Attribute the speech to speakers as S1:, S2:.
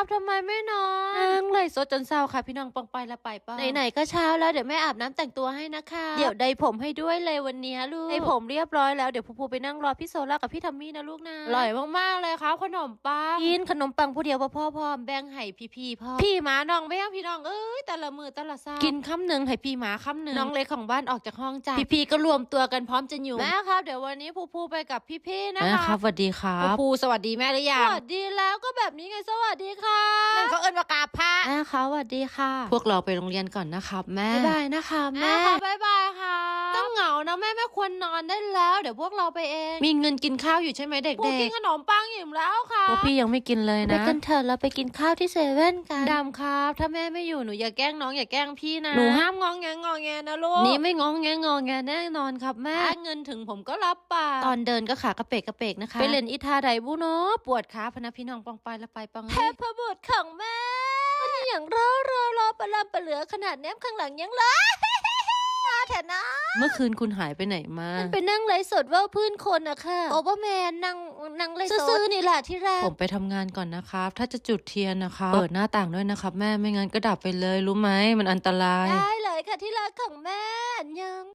S1: ทำไมไม่นอนนั่งเลยสดจนเศร้าค่ะพี่น้องปองไปละไปป้าไหนๆก็เช้าแล้วเดี๋ยวแม่อาบน้ำแต่งตัวให้นะคะเดี๋ยวใดผมให้ด้วยเลยวันนี้ลูกใดผมเรียบร้อยแล้วเดี๋ยวพูไปนั่งรอพี่โซล่ากับพี่ทัมมี่นะลูกนะอร่อยมากๆเลยครับขนมปังกินขนมปังผู้เดียวพ่อแบ่งให้พี่พ่อพี่หมาน้องแม่พี่น้องเอ้ยแต่ละมือแต่ละซ่ากินคำหนึ่งให้พี่หมาคำหนึ่งน้องเล็กของบ้านออกจากห้องจ้าพี่ก็รวมตัวกันพร้อมจะอยู่แม่ครับเดี๋ยววันนี้พูไปกับพี่นะคะครับสวัสดีครับพูสวัสดีแม่หรือยังสวัสดีแล้วก็แบบนี้ไงสวัสดีค่ะนั่นเขาเอิ้นว่ากราบพระแม่ค่ะสวัสดีค่ะพวกเราไปโรงเรียนก่อนนะครับแม่บ๊ายบายนะคะแม่บ๊ายบายค่ะต้องเหงานะแม่ควรนอนได้แล้วเดี๋ยวพวกเราไปเองมีเงินกินข้าวอยู่ใช่ไหมเด็กๆพวกกินขนมปังอิ่มแล้วค่ะพวกพี่ยังไม่กินเลยนะไปกันเถอะเราไปกินข้าวที่เซเว่นกันดำครับถ้าแม่ไม่อยู่หนูอย่าแกล้งน้องอย่าแกล้งพี่นะหนูห้ามงองแงนะลูกนี่ไม่งองแงแน่นอนครับแม่เงินถึงผมก็รับปากตอนเดินก็ขากระเปกนะคะไปเล่นอีทาไดบุเนาะปวดขาพนะพี่น้องปองไปละไปปังเทพบุตรของแม่นี่อย่างรอปลาปลาเหลือขนาดแนบข้างหลังยังเลยแถนะเมื่อคืนคุณหายไปไหนมามันไปนั่งไลฟ์สดว่าพื้นคนอะค่ะโอเปอร์แมนนั่งไลฟ์สดซื้อนี่แหละที่แรกผมไปทำงานก่อนนะครับถ้าจะจุดเทียนนะคะเปิดหน้าต่างด้วยนะครับแม่ไม่งั้นก็ดับไปเลยรู้ไหมมันอันตรายได้เลยค่ะที่รักของแม่ยัง